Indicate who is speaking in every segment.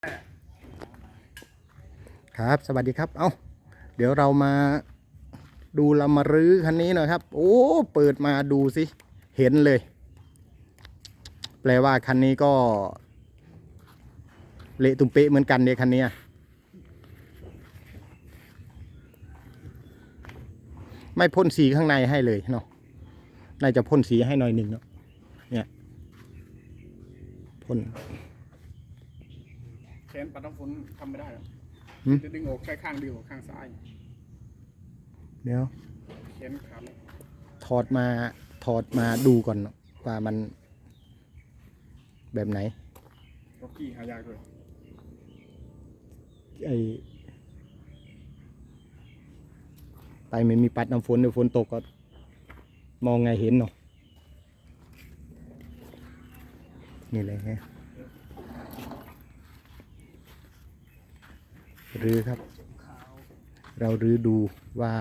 Speaker 1: ครับสวัสดีครับเดี๋ยวเรามาดูเรามารื้อคันนี้หน่อยครับโอ้เปิดมาดูสิเห็นเลยแปลว่าคันนี้ก็เละตุ้มเป๊ะเหมือนกันเนี่ยคันนี้ไม่พ่นสีข้างในให้เลยเนาะน่าจะพ่นสีให้หน่อยหนึ่งเนาะเนี่ยพ่น
Speaker 2: แขนปัดน้ำฝนทำไม่ได้หรอกจะดึงออกแค่ข้างเดียวข้างซ้าย
Speaker 1: เดี๋ยว
Speaker 2: แขนขาด
Speaker 1: ถอดมาดูก่อนว่ามันแบบไหน
Speaker 2: ร็อกกี้หายากเลย
Speaker 1: ไปไม่มีปัดน้ำฝนเดี๋ยวฝนตกก็มองไงเห็นเนาะนี่เลยฮะรื้อครับเรารื้อดูว่า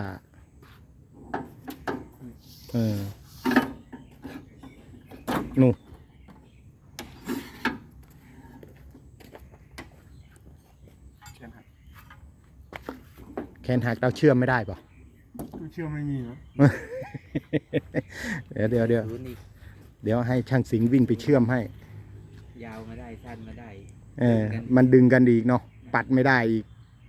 Speaker 1: นู่แขนหักเราเชื่อมไม่ได้ป่ะ
Speaker 2: เชื่อไม่มีนะ
Speaker 1: เดี๋ยวให้ช่างสิงห์วิ่งไปเชื่อมให้
Speaker 3: ยาวมาได้สั้นมาได้
Speaker 1: มันดึงกันอีกเนาะปัดไม่ได้อีก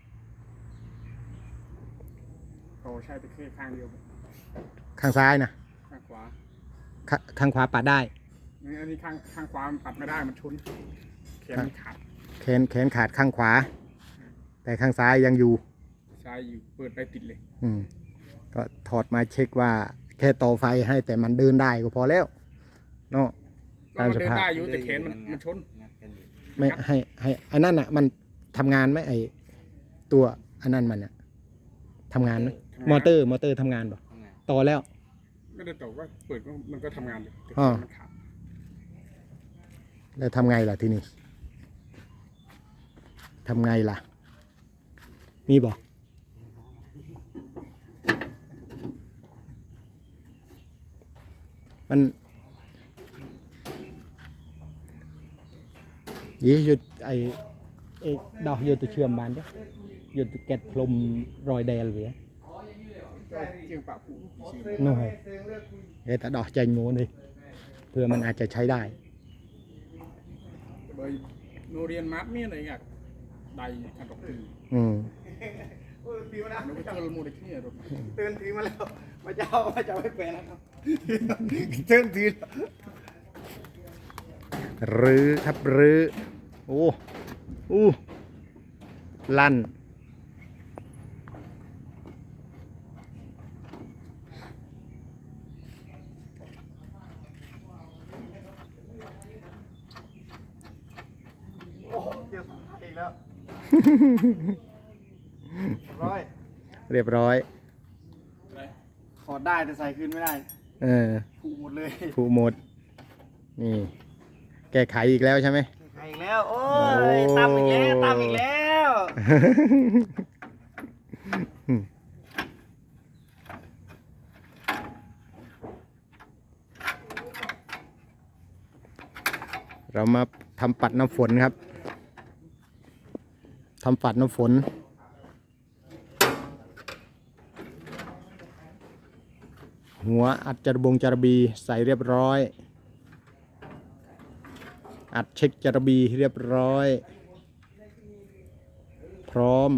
Speaker 2: โอ้ใช่ไปแค่ข้างเดียว
Speaker 1: ข้างซ้ายนะ
Speaker 2: ข้างขวา
Speaker 1: ข้างขวาปัดได้
Speaker 2: อันนี้ข้างขวามันปัดไม่ได้มันชนแขนขาด
Speaker 1: แขนขาดข้างขวาแต่ข้างซ้ายยังอยู่
Speaker 2: ซ้ายอยู่เปิดไปติดเลย
Speaker 1: ก็ถอดมาเช็คว่าแค่ต่อไฟให้แต่มันเดินได้ก็พอแล้วเนาะ
Speaker 2: ตามสภาพเดินได้อยู่แต่แขนมันชน
Speaker 1: ไม่ให้อันนั้นอ่ะมันทำงานไหมไอตัวอันนั้นมันเนี่ยทำงานไหมมอเตอร์ทำงานป่ะต่อแล้ว
Speaker 2: ไม่ได้ต่อว่าเปิดมันก็ทำงานอยู่แต่มันขาด
Speaker 1: แล้วทำไงล่ะทีนี้ทำไงล่ะมีบอกมันยี่หยุดไอ้ดอกหยุดตัวเชื่อมบานจ้ะหยุดแกะพรมรอยแดงเลยนู่นแต่ดอกใจงูนี่เพื่อมันอาจจะใช้ได้
Speaker 2: โนเรียนมาร์ทมีอะไรเงี้ยได้ขันดอกตีตีมาแล้วเจอมูลที่เนี่ยเตือนทีมาแล้วมาเจ้าไม่เป็นแล้วเตือนที
Speaker 1: รื้อครับรื้อโอ้ลั่น
Speaker 2: เดี๋ยวอีกแล้ว
Speaker 1: เรียบร้อย
Speaker 2: ถอดได้แต่ใส่คืนไม่ได้ผูกหมดเลย
Speaker 1: ผูกหมดนี่แก้ไขอีกแล้วใช่ไหม
Speaker 2: แก้ไขอีกแล้วโอ้ยตามอีกแล้ว
Speaker 1: เรามาทำปัดน้ำฝนครับทำปัดน้ำฝนหัวอัดจระบีใส่เรียบร้อยอัดเช็คจระบีเรียบร้อยพร้อม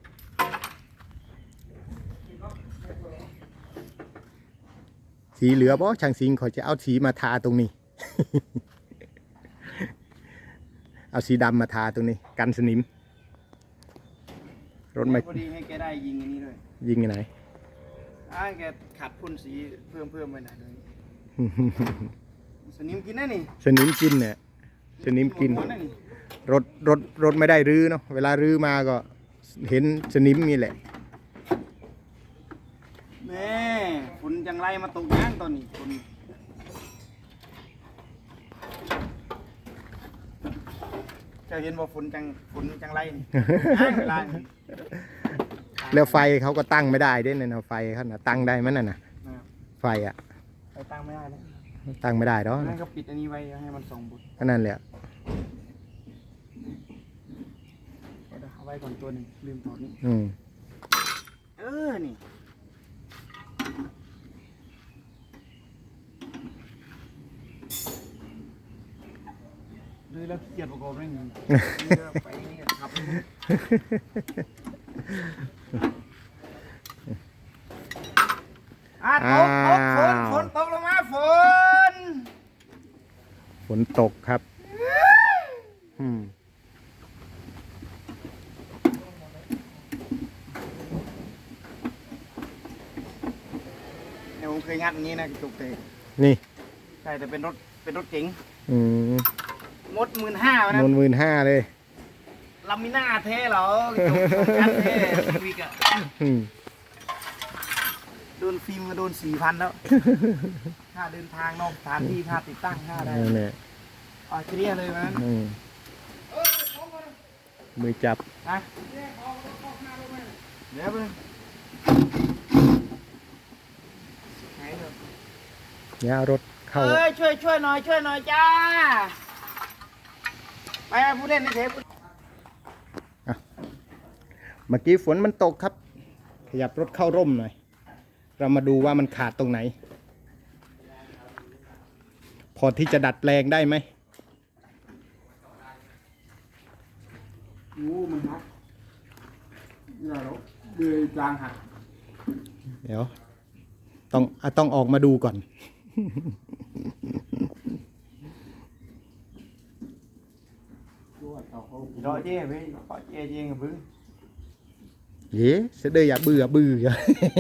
Speaker 1: สีเหลือป่ะช่างสิงห์เขาจะเอาสีมาทาตรงนี้ เอาสีดำมาทาตรงนี้กันสนิมรถไม่
Speaker 2: พอดีให้แกได้ยิงอันนี้ด้วย
Speaker 1: ยิงไหน
Speaker 2: แกขัดพ่นสีเพิ่มไปหน่อยนึงสนิมกินได้นี่
Speaker 1: สนิมกินเนี่ยสนิมกินรถไม่ได้รื้อเนาะเวลารื้อมาก็เห็นสนิมนี่แหละ
Speaker 2: แม่ฝนจังไรมาตกย่างตอนนี้ฝนจะเห็นว่าฝนจังไรนี่
Speaker 1: แล้วไฟเขาก็ตั้งไม่ได้ด้วยนะไฟเขาน่ะตั้งได้ไหมนั่นน่ะไฟอ่ะ
Speaker 2: ตั้งไม่ได้นะ
Speaker 1: ตั้งไม่ได้หรอ
Speaker 2: นั่นก็ปิดอันนี้ไว้ให้มันส่องบุญ
Speaker 1: นั่นแหละ
Speaker 2: ไว้ก่อนตัวหนึงลืมถอดนี่
Speaker 1: อืม
Speaker 2: นี่ดูแล้วเกียดประกอบไม่มีไปนี่ครับฝนตกลงมาฝน
Speaker 1: ฝนตกครับอืม
Speaker 2: เดี๋ยวผมเคยงัดอย่างนี้นะกระจกเตะ
Speaker 1: นี่
Speaker 2: ใช่แต่เป็นรถเก๋ง
Speaker 1: อืม
Speaker 2: มด15,000นะ
Speaker 1: 15,000เลย
Speaker 2: ลามิน่าเท่เหรอกระจกงัดเท่วิกอะ
Speaker 1: อืม
Speaker 2: โดนฟิล์มก็โดน 4,000 แล้ว ค่าเดินทางนอกสถานที่ค่าติดตั้งค่าอะไร
Speaker 1: นั่นแหละ
Speaker 2: อ๋อเคลียร์เลยมัน
Speaker 1: อืมมือจับ
Speaker 2: นะเดี๋ยวไปไหนเถอะ
Speaker 1: เนี่ยเอารถเข้า
Speaker 2: ช่วยหน่อยจ้า ไปผู้เล่นในเทป
Speaker 1: เมื่อกี้ฝนมันตกครับ ขยับรถเข้าร่มหน่อย เรามาดูว่ามันขาดตรงไหน พอที่จะดัดแปลงได้ไหม
Speaker 2: งูมันหักอย่าหรอกเดือยจางหัก
Speaker 1: เดี๋ยว ต้องออกมาดูก่อน
Speaker 2: รอเจ๊ไปขอเจ๊ยิงกับบึ้ง
Speaker 1: เย้sẽ đây à bư à bư à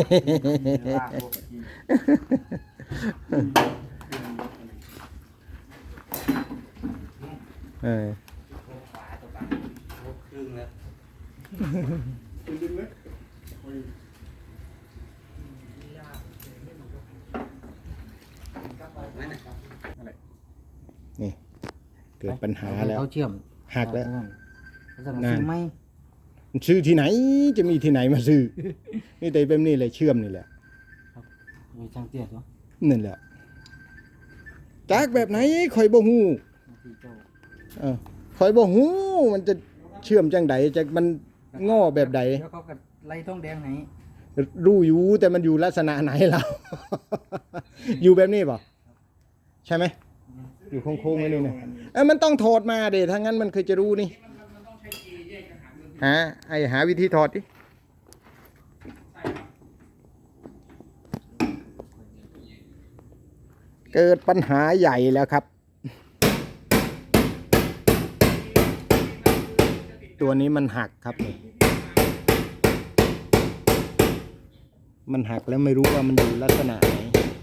Speaker 1: เออ
Speaker 3: ขวาตัวบังครึ่งแล้ว
Speaker 2: ดึงเลย
Speaker 1: นี่เกิดปัญหาแล้ว
Speaker 3: เขาเชื่อม
Speaker 1: หักแล้ว
Speaker 3: จะมาซื้อไหม
Speaker 1: มันซื้อที่ไหนจะมีที่ไหนมาซื้อ นี่แต่แบบนี้เลยเชื่อมนี่แหละ
Speaker 3: มีช่างเตี้ยตัว
Speaker 1: นั่นแหละจากแบบไหนคอยบ่ฮู้
Speaker 3: ที่เจ้า
Speaker 1: คอยบ่ฮู้มันจะเชื่อมจังใดจะมันง้อแบบใด
Speaker 3: แล้วเขาก็ไล่ท้องแดงให้
Speaker 1: รู้อยู่แต่มันอยู่ลักษณะไหนเรา อยู่แบบนี้ป่ะใช่ไหมอยู่โค้งๆไว้นี่นะมันต้องถอดมาเดี๋ยวถ้างั้นมันเคยจะรู้นี่หาวิธีถอดดิเกิดปัญหาใหญ่แล้วครับ ตัวนี้มันหักครับนี่มันหักแล้วไม่รู้ว่ามันอยู่ลักษณะไหน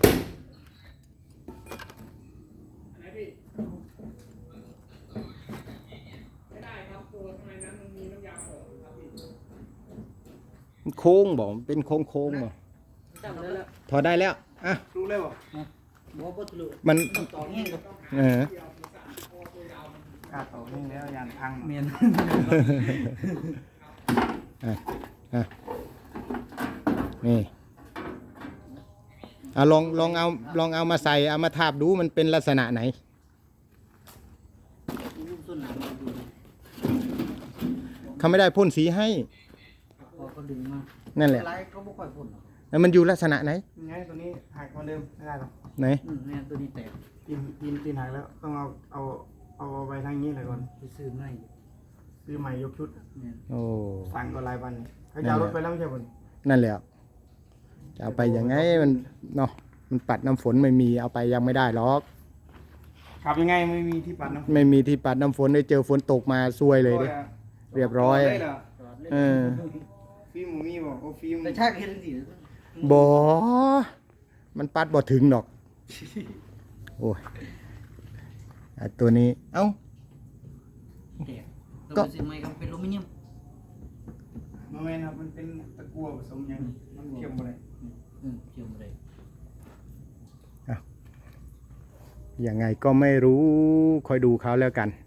Speaker 1: มันโค้งบอกเป็นโค้งบอกถอดได้แล้วอ่ะ
Speaker 2: รู้เลยบ่
Speaker 3: บอกว่าทะลุ
Speaker 1: มัน
Speaker 3: ต่อเงี้ยกับ
Speaker 1: เออก
Speaker 2: ล้าต่อนี่แล้วยานพัง
Speaker 3: เมียน
Speaker 1: นี่ลองเอามาใส่เอามาทาบดูมันเป็นลักษณะไหน
Speaker 3: ลูกต้นหนามมาดู
Speaker 1: เขาไม่ได้พ่นสีให้
Speaker 3: พอเขาดึงมา
Speaker 1: นั่นแหละ
Speaker 3: อะไรเขาไม่ค่อยพ่นหรอก
Speaker 1: แล้วมันอยู่ลักษณะไหน
Speaker 2: ไงตัวนี้หักเหมือนเดิมไม่ได้หรอก
Speaker 1: ไหน
Speaker 3: เนี่ยตัวนี้แตก
Speaker 2: ตีนหักแล้วต้องเอาไปทางนี้เลยก่อน
Speaker 3: ไปซื้อไม่
Speaker 2: ซื้อใหม่ยกชุด
Speaker 3: เนี่ย
Speaker 1: โอ้
Speaker 2: สั่งก็รายวันเขาจะเอารถไปแล้วไม่ใช่ผล
Speaker 1: นั่นแหละจะเอาไปยังไงมันเนาะมันปัดน้ำฝนไม่มีเอาไปยังไม่ได้หรอก
Speaker 2: ขับยังไงไม่มีที่ปัดนะ
Speaker 1: ไม่มีที่ปัดน้ำฝนได้เจอฝนตกมาซวยเลยดิเรียบร้อย
Speaker 2: ได้เหรอ
Speaker 1: เออ
Speaker 2: ฟิล์มหมูมีบอกโอ้ฟิล์ม
Speaker 3: แต่ชาติเห็นสิ
Speaker 1: บ่มันปัดบ่ถึงดอก โอ้ยตัวนี้เอ้า
Speaker 3: แตกต้องไปซื้อไม่ก็เป็นอลูมิเนียม
Speaker 2: มันไม่ครับมันเป็นตะกั่วผสมยังมันเชื่อมอะไร
Speaker 3: เชื่อมเลย
Speaker 1: ยังไงก็ไม่รู้คอยดูเขาแล้วกัน